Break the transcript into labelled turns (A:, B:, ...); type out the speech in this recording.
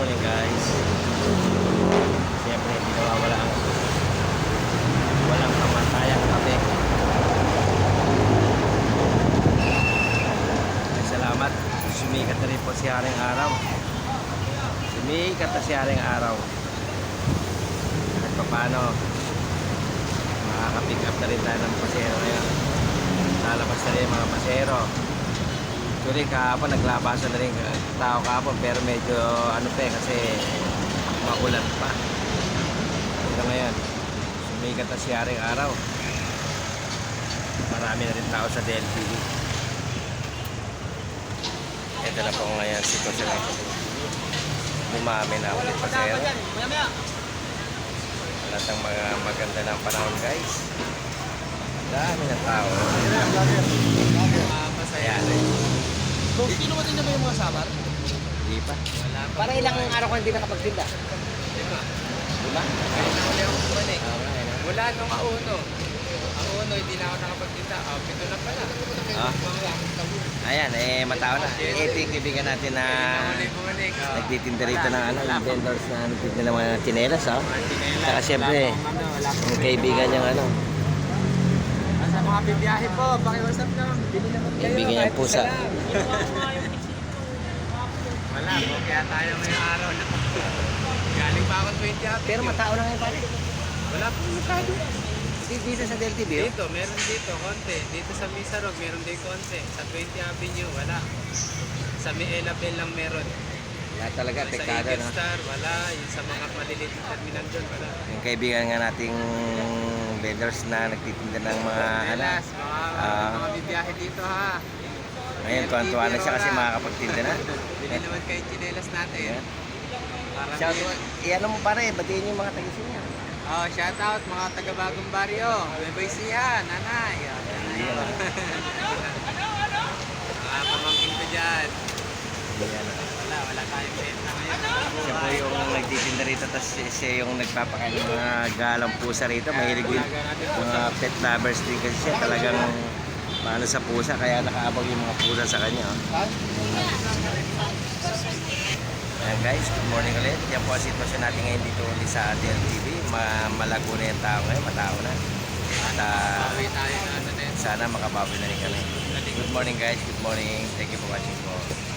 A: morning guys. Siyempre hindi nawawala ang walang kamatayang kape. Salamat. Sumikat na rin po si Haring Araw. Sumikat na si Haring Araw. At paano makaka-pick up na rin tayo ng pasero ngayon. Lalabas na rin mga pasero. Actually kahapon naglabasan na rin tao kahapon, pero medyo ano pa kasi makulan pa. Ito ngayon sumikat na si Haring Araw. Marami na rin tao sa DLTV. Ito na po ngayon sitwasyon na ito. Dumami na ulit pasero. Lahat ng mga maganda ng panahon guys. Dami ng tao. Ayan.
B: Kinuha din na ba yung mga sabar?
A: Hindi pa.
B: Para ilang araw ka hindi nakapagtinda?
A: Diba?
C: Wala akong bumalik.
A: Okay.
C: Wala nung auno. Ang uno, hindi na ako nakapagkita. Pito na pala.
A: Ayan, matao na. Ito yung kaibigan natin na
C: Hindi bumalik.
A: nagtitinda rito ng yung vendors na nagtitinda ng mga tsinelas, oh. Saka siyempre, yung kaibigan niyang
C: Sa mga bibiyahe po, pakiwasap lang. Bili naman kayo.
A: kaibigan niyang pusa.
C: Wala po, kaya tayo ngayong araw na. Galing pa ako 20 happy.
B: Pero matao na ngayon pare.
C: Wala po masyado.
B: Dito sa DLTV, oh.
C: Dito, meron dito, konti. Dito sa Misarog, meron din konti. Sa 20 Avenue, wala. Sa Miela Bell lang meron.
B: Wala talaga,
C: Sa
B: pekado
C: Eagle
B: na.
C: Star, wala. Yung sa mga maliliit na terminal doon, wala.
A: Yung kaibigan nga nating vendors na nagtitinda ng mga
C: Chinelas,
A: Ah.
C: mga bibiyahe dito ha.
A: Ngayon, tuwan-tuwa na siya kasi makakapagtinda na.
C: Bili naman kayo chinelas natin.
A: Ayan.
C: Para
A: Shout out, ano mo pare, batiin yung mga tagisin niya.
C: Oh, shout out mga taga Bagong Baryo. Bye-bye siya, nanay.
A: Ayan.
C: Mga pamangkin ko dyan.
A: Ayan.
C: Wala tayong benta ngayon.
A: Siya po yung nagtitinda rito, tapos siya yung nagpapakain ng mga galang pusa rito. Mahilig din mga pet lovers din kasi siya talagang paano sa pusa, kaya nakaabang yung mga pusa sa kanya. Oh. Ayan guys, good morning ulit. Yan po ang sitwasyon natin ngayon dito ulit sa DLTV. Malago na yung tao ngayon, matao na. At
C: Bawi tayo na ano din.
A: sana makabawi na rin kami. Good morning guys, good morning. Thank you for watching po.